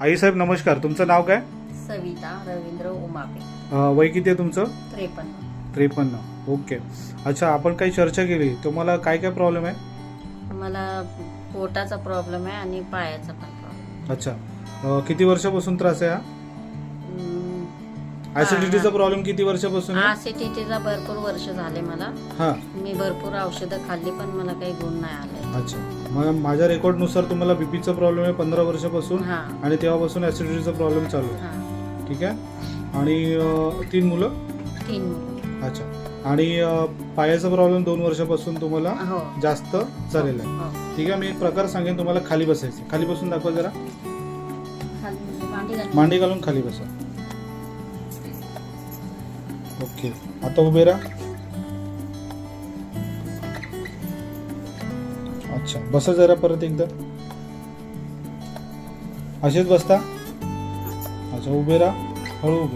आई साहेब नमस्कार, तुमचं नाव काय? सविता रवींद्र उमापे. वय किती आहे तुमचं? 53. 53. ओके. अच्छा, आपण काही चर्चा केली, तुम्हाला काय काय प्रॉब्लेम आहे? मला पोटाचा प्रॉब्लेम आहे आणि पायाचा पण प्रॉब्लेम. अच्छा, किती वर्षापासून त्रास आहे हा? ऍसिडिटीचा प्रॉब्लेम किती वर्षापासून आहे? ऍसिडिटीचा भरपूर वर्ष झाले मला. हा. मी भरपूर औषधं खाल्ली पण मला काही गुण नाही आले. अच्छा, मग माझ्या रेकॉर्ड नुसार तुम्हाला बीपीचा प्रॉब्लेम आहे 15 वर्षापासून हा आणि तेव्हापासून ऍसिडिटीचा प्रॉब्लेम चालू आहे. हा. ठीक आहे. आणि 3 मुलं? 3 मुलं. अच्छा. आणि पायाचा प्रॉब्लेम 2 वर्षापासून तुम्हाला हो जास्त झालेला आहे. हो. ठीक आहे, मी एक प्रकार सांगेन तुम्हाला. खाली बसायचं. खाली बसून दाखवा जरा. मांडी घाल. मांडी घालून खाली बसा. ओके, आता उभे राहा. अच्छा, बसा जरा परत एकदा. असेच बसता. अच्छा, उभे राहा. हळू उभे.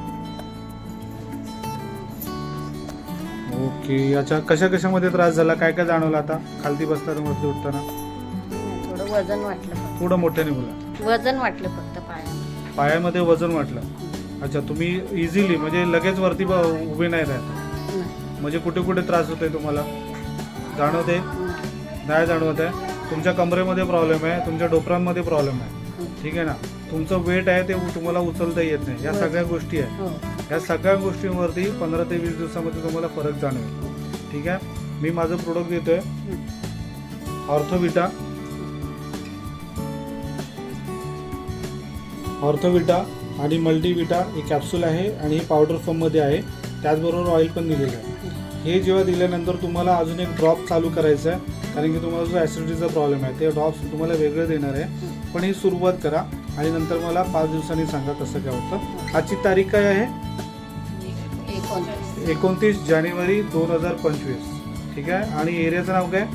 ओके, याच्या कशा कशामध्ये त्रास झाला, काय काय जाणवलं आता खालती बसताना वरती उठताना? थोडं वजन वाटलं फक्त. थोडं मोठ्याने बोला. वजन वाटलं फक्त पायामध्ये. पायामध्ये वजन वाटलं. अच्छा, तुम्ही इझिली म्हणजे लगेच वरती उभे नाही राहत, म्हणजे कुठे कुठे त्रास होतोय तुम्हाला जाणवते? नाही जाणवत आहे. तुमच्या कमरेमध्ये प्रॉब्लेम आहे, तुमच्या डोपरांमध्ये प्रॉब्लेम आहे. ठीक आहे ना. तुमचं वेट आहे ते तुम्हाला उचलता येत नाही. या सगळ्या गोष्टी आहे. हो. या सगळ्या गोष्टींवरती 15 ते 20 दिवसामध्ये तुम्हाला फरक जाणवेल. ठीक आहे. मी माझं प्रोडक्ट देतोय, ऑर्थोविटा. ऑर्थोविटा आणि मल्टीविटा ही कॅप्सूल आहे आणि ही पावडर फॉर्ममध्ये आहे. त्याचबरोबर ऑइल पण दिलेलं आहे. हे जेव्हा दिल्यानंतर तुम्हाला अजून एक ड्रॉप चालू करायचं आहे, कारण की तुम्हाला जो ॲसिडिटीचा प्रॉब्लेम आहे ते ड्रॉप्स तुम्हाला वेगळे देणार आहे. पण ही सुरुवात करा आणि नंतर मला 5 दिवसांनी सांगा कसं काय होतं. आजची तारीख काय आहे? 29 जानेवारी 2025. ठीक आहे. आणि एरियाचं नाव काय?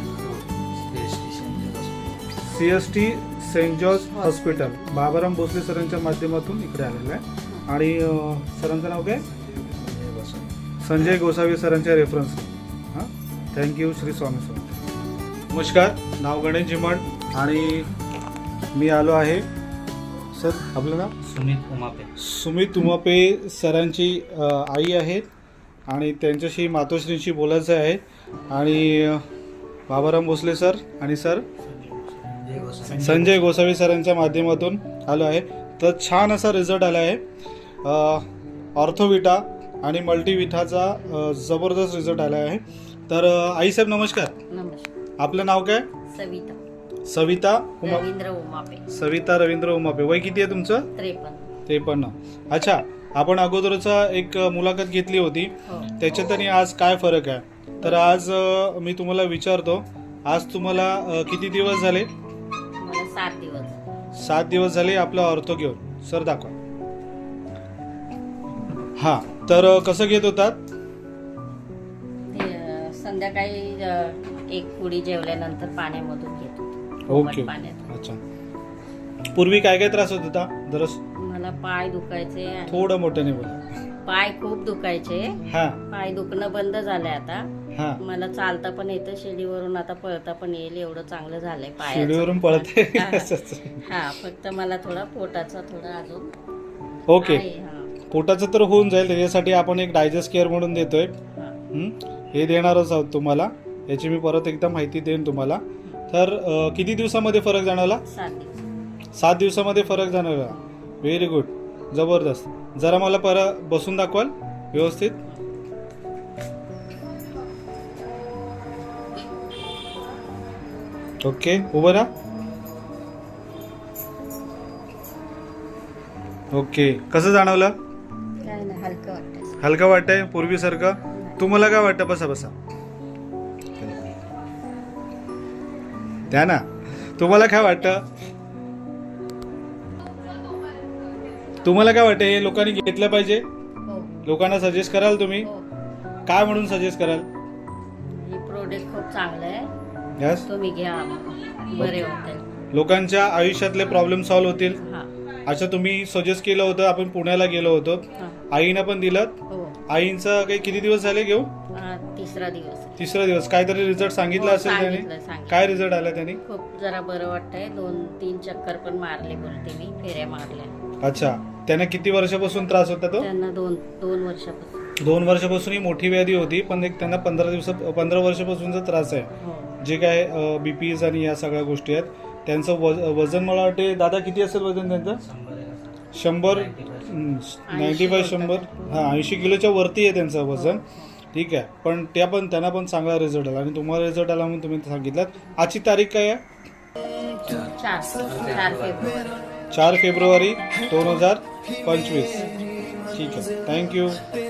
CST Saint George hospital, Babaram Bhosale सरांच्या माध्यमातून इकडे आलेलं आहे. आणि सरांचं नाव काय? संजय गोसावी सरांच्या रेफरन्स. हां, थँक्यू. श्री स्वामी समर्थ. नमस्कार, नाव गणेश जिमण आणि मी आलो आहे. सर, आपलं नाव? सुमित उमापे. सुमित उमापे सरांची आई आहेत आणि त्यांच्याशी मातोश्रींशी बोलायचं आहे. आणि बाबाराम भोसले सर आणि सर संजय गोसावी सरांच्या माध्यमातून आलो आहे. तर छान असा रिझल्ट आला आहे. ऑर्थोविटा आणि मल्टीविटाचा जबरदस्त रिझल्ट आला आहे. तर आईसाहेब नमस्कार. नमस्कार. आपलं नाव काय? सविता सविता रवींद्र उमापे. सविता रवींद्र उमापे. वय किती आहे तुमचं? 53. 53. अच्छा, आपण अगोदरचा एक मुलाखत घेतली होती, हो. त्याच्यात आणि आज काय फरक आहे? तर आज मी तुम्हाला विचारतो, आज तुम्हाला किती दिवस झाले? मला 7 दिवस. 7 दिवस झाले आपला ऑर्थो घेऊन. सर दाखवा. हा, तर कसं घेत होतात? संध्याकाळी एक पुडी जेवल्यानंतर पाण्यामधून घेतो. ओके. पाण्यात. अच्छा, पूर्वी काय काय त्रास होत होता? दरस मला पाय दुखायचे आणि थोडं मोठ्याने बोला. पाय खूप दुखायचे. हा पाय दुखणं बंद झालंय आता. हा. मला चालता पण येतं, शिडीवरून आता पळता पण येईल, एवढं चांगलं झालंय पायाचं. शिडीवरून पळते. हा, फक्त मला थोडा पोटाचा थोडा अजून ओके. आहे. हा. पोटाचं तर होऊन जाईल. त्याच्यासाठी आपण एक डायजेस्ट केअर म्हणून देतोय. हा. हे देणारच आहोत तुम्हाला. याची मी परत एकदा माहिती देईन तुम्हाला. तर किती दिवसामध्ये फरक जाणवला? 7 दिवस. 7 दिवसामध्ये फरक जाणवला. व्हेरी गुड, जबरदस्त. जरा मला परत बसून दाखवाल व्यवस्थित? ओके, उभं राहा. ओके, कसं जाणवलं? काय नाही, हलकं वाटतं. हलकं वाटतंय पूर्वीसारखं? तुम्हाला काय वाटतं? बसा बसा. द्या ना. तुम्हाला काय वाटतं? तुम्हाला काय वाटतं? हे लोकांनी घेतलं पाहिजे? हो. लोकांना सजेस्ट कराल तुम्ही? हो. काय म्हणून सजेस्ट कराल? हे प्रोडक्ट खूप चांगलं आहे. यस. तुम्ही घ्या, बरे होतील. लोकांच्या आयुष्यातले प्रॉब्लेम सॉल्व्ह होतील. हा. अच्छा, तुम्ही सजेस्ट केलं होतं. आपण पुण्याला गेलो होतो. हा. आईनं पण दिलं. हो. आईंचं काही किती दिवस झाले घेऊ? तिसरा दिवस आहे. तिसरा दिवस. काहीतरी रिझल्ट सांगितला हो, असेल त्याने. सांगितलं. काय रिझल्ट आला त्याने? खूप जरा बरं वाटतंय. 2-3 चक्कर पण मारले बोलते मी, फेऱ्या मारल्या. अच्छा. त्याने किती वर्षापासून त्रास होता तो? त्यांना 2 वर्षापासून. 2 वर्षापासून ही मोठी व्याधी होती, पण एक त्यांना 15 वर्षापासूनचा त्रास आहे. हो. जे काय बीपीज आणि या सगळ्या गोष्टी आहेत. त्यांचं वजन मला वाटते दादा किती असेल वजन त्यांचं? 100 95 100 हां 80 किलोच्या वरती आहे त्यांचं वजन. ठीक आहे. पण त्यांना पण चांगला रिझल्ट आला आणि तुम्हाला रिझल्ट आला म्हणून तुम्ही सांगितलं. आजची तारीख काय आहे? 4 फेब्रुवारी. 4 फेब्रुवारी 2025. ठीक आहे. थँक्यू.